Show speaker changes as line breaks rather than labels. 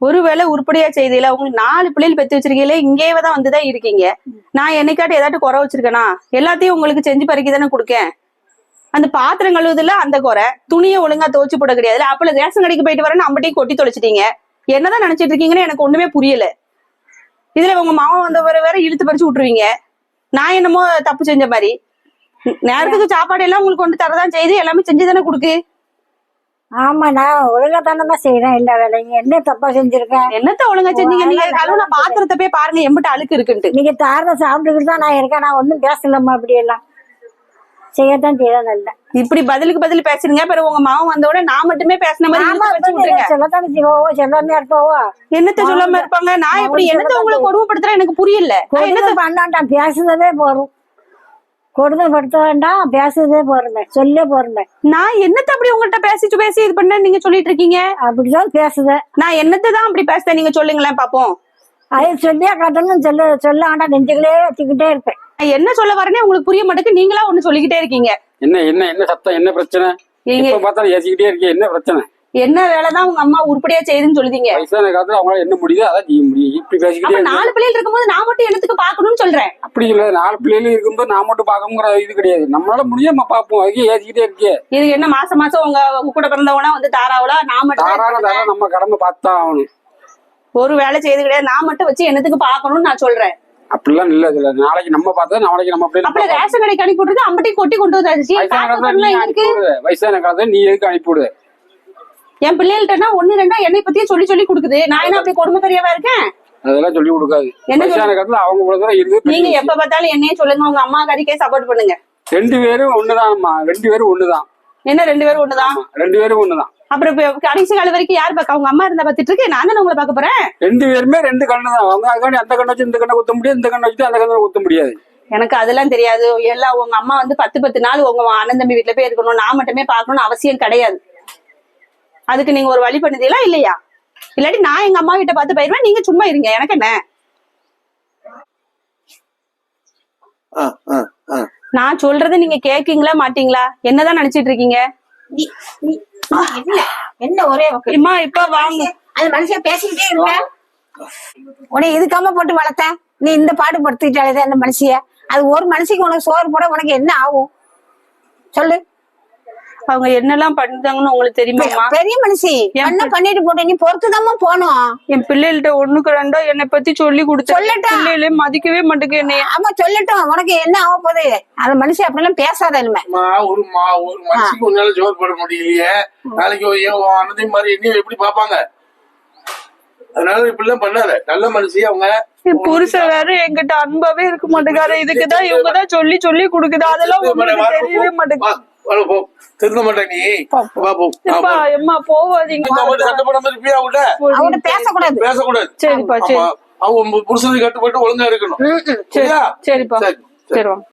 ஒருவேளை உருப்படியா செய்தியில உங்களுக்கு 4 பிள்ளைகள் பெத்து வச்சிருக்கீங்களே, இங்கேயேதான் வந்துதான் இருக்கீங்க. நான் என்னைக்காட்டு ஏதாட்டும் குறை வச்சிருக்கேனா? எல்லாத்தையும் உங்களுக்கு செஞ்சு பறிக்க தானே கொடுக்கேன். அந்த பாத்திரம் கழுவுதுல அந்த குறை, துணியை ஒழுங்கா துவச்சு போட கிடையாது. அப்பல ரேஷன் கடைக்கு போயிட்டு வரேன்னு அம்பட்டையும் கொட்டி தொலைச்சிட்டீங்க. என்னதான் நினைச்சிட்டு இருக்கீங்கன்னு எனக்கு ஒண்ணுமே புரியல. இதுல உங்க மாமா வந்தவரை வேற இழுத்து பறிச்சு விட்டுருவீங்க. நான் என்னமோ தப்பு செஞ்ச மாதிரி. நேரத்துக்கு சாப்பாடு எல்லாம் உங்களுக்கு கொண்டு தரதான் செய்து எல்லாமே செஞ்சுதானே கொடுக்கு.
ஆமா, நான் ஒழுங்கா தானே செய்யறேன் எல்லா வேலையும். என்ன தப்பா செஞ்சிருக்கேன்?
என்னத்த ஒழுங்கா செஞ்சீங்க? நீங்க கழுவுன பாத்திரத்தை போய் பாருங்க எம்பிட்டு அழுக்கு இருக்குன்ட்டு.
நீங்க தாரத சாப்பிட்டுக்கிட்டு தான் நான் இருக்கேன். நான் ஒன்னும் பேசலாமா? அப்படி எல்லாம் செய்யத்தான் செய்யலாம். இல்ல
இப்படி பதிலுக்கு பதில் பேசுறீங்க. பிறகு உங்க மாவன் வந்தோட நான் மட்டுமே பேசின மாதிரி
சொல்லத்தானே செய்வோம். சொல்லாமே இருப்போவோ.
என்னத்த சொல்லாம இருப்பாங்க? நான் எப்படி என்னத்த உங்களை கொடுமைப்படுத்துறேன் எனக்கு புரியல.
என்னத்த பண்ணாண்டாம், பேசுறதே போறோம். கொடுமைப்படுத்த வேண்டாம், பேசுறதே போறமே, சொல்லே போறமே.
நான் என்னத்த அப்படி உங்கள்கிட்ட பேசி இது பண்ண நீங்க சொல்லிட்டு இருக்கீங்க?
அப்படிதான் பேசுதேன்.
நான் என்னத்தான் அப்படி பேசுறேன் நீங்க சொல்லுங்களேன் பாப்போம்.
அதை சொல்லியா கட்டணும். சொல்ல வேண்டாம், நெஞ்சுகளே வச்சுக்கிட்டே இருப்பேன்.
என்ன சொல்ல வரேன்னு உங்களுக்கு புரிய மாட்டேங்குது. நீங்களா ஒண்ணு சொல்லிக்கிட்டே இருக்கீங்க.
என்ன சத்தம்? என்ன பிரச்சனை? ஏசிக்கிட்டே இருக்கீங்க. என்ன பிரச்சனை?
என்ன வேலைதான் உங்க அம்மா உருப்படியா செய்யுதுன்னு சொல்லுதீங்க.
வயசான காலத்துல அவங்களால என்ன முடியுதோ அதான் செய்ய முடியும். இப்படி பேசிக்கிட்டே
4 பிள்ளைகள் இருக்கும்போது நான் மட்டும் என்னத்துக்கு பாக்கணும்னு சொல்றேன்.
அப்படி இல்ல, 4 பிள்ளைகளும் இருக்கும்போது நான் மட்டும் பாக்கணுங்கிற இது கிடையாது. நம்மளால முடியாம பாப்போம். அதுக்கே ஏசிக்கிட்டே இருக்கே.
இதுக்கு என்ன மாசம் உங்க கூட பிறந்தவனா வந்து தாராவளா? நான் மட்டும்
தாராள நம்ம கடமை பார்த்துதான் ஆகணும்.
ஒரு வேலை செய்து கிடையாது. நான் மட்டும் வச்சு என்னத்துக்கு பாக்கணும்னு நான் சொல்றேன்.
அப்படிலாம் இல்ல. இதுல நாளைக்கு நம்ம பார்த்தா நாளைக்கு நம்ம
அப்ப ரேஷன் கடைக்கு அனுப்பி விட்டுருக்கு. அம்பட்டையும் கொட்டி கொண்டு வந்தாச்சு.
வயசான காலத்துல நீ எதுக்கு அனுப்பி விடுத?
என் பிள்ளைகள்ட்டா 1 2 என்னை பத்தியே சொல்லி கொடுக்குது. நான் என்ன அப்படி கொடுமை பெரியவா இருக்கேன்?
அதெல்லாம் சொல்லி கொடுக்காது. வயசான காலத்துல அவங்க இவ்வளவுதான் இருக்கு.
நீங்க எப்ப பார்த்தாலும் என்னையே சொல்லுங்க, உங்க அம்மா கறிக்கே சப்போர்ட் பண்ணுங்க.
2 பேரும் ஒண்ணுதான்மா. 2 பேரும் ஒண்ணுதான்.
என்ன 2 பேரும் ஒண்ணுதான்?
2 பேரும் ஒண்ணுதான்.
அப்புறம் கடைசி கால வரைக்கும் யார் பாக்க? உங்க அம்மா இருந்தா பாத்துட்டு இருக்கு. நான் தானே உங்களை பாக்க போறேன்.
2 பேருமே 2 கண்ணு தான். அவங்க அதுக்காண்டி அந்த கண்ணை வச்சு இந்த கண்ணை குத்த முடியாது, இந்த கண்ணை வச்சு அந்த கண்ணை குத்த முடியாது.
எனக்கு அதெல்லாம் தெரியாது. எல்லாம் உங்க அம்மா வந்து 10 நாள் உங்க அண்ணன் தம்பி வீட்டுல போய் இருக்கணும், நான் மட்டுமே பாக்கணும்னு அவசியம் கிடையாது. அதுக்கு நீங்க ஒரு வழி பண்ணுதீங்களா இல்லையா? இல்லாட்டி நான் எங்க அம்மா கிட்ட பார்த்து போயிருவேன். நீங்க சும்மா இருங்க. எனக்கு என்ன, நான் சொல்றதை நீங்க கேக்கீங்களா மாட்டீங்களா? என்னதான் நினைச்சிட்டு இருக்கீங்க?
என்ன ஒரே
இப்ப வாங்க.
அது மனுஷன் பேசிக்கிட்டே இருக்க. உன்னை இதுக்காம போட்டு வளர்த்த நீ இந்த பாடு படுத்திட்டாலே அந்த மனுஷிய. அது ஒரு மனுஷிக்கு உனக்கு சோறு போட உனக்கு என்ன ஆகும் சொல்லு?
அவங்க என்னெல்லாம் பண்ணுதாங்கன்னு உங்களுக்கு தெரியுமா?
பெரிய மனுஷி என்ன பண்ணிட்டு போட்ட, நீ பொறுத்துதாம்மா போனோம்.
என் பிள்ளைகள்ட்ட 1க்கு 2 என்னை பத்தி சொல்லி கொடுத்து பிள்ளைகளே மதிக்கவே மாட்டேங்க என்னைய.
ஆமா சொல்லட்டும், உனக்கு என்ன ஆக போகுது? அந்த மனுஷன் அப்படிலாம் பேசாத.
ஒரு மனுஷிக்கு உன்னால ஜோர் போட முடியலையே, நாளைக்கு அண்ணன் மாதிரி என்ன எப்படி பாப்பாங்க? அதனால இப்படிலாம் பண்ணாத. நல்ல மனுஷி அவங்க.
புருஷன் வேற என்கிட்ட அன்பாவே இருக்க மாட்டேங்காரு. இதுக்குதான் இவங்கதான் சொல்லி கொடுக்குது. அதெல்லாம் உங்களுக்கு தெரியவே மாட்டேங்குது.
திருந்த மாட்டேன் நீ.
அம்மா போவாதீங்க.
பேசக்கூடாது.
சரிப்பா சரி.
அவங்க புருஷனுக்கு கட்டுப்பட்டு ஒழுங்கா இருக்கணும்.
சரிப்பா சரி வாங்க.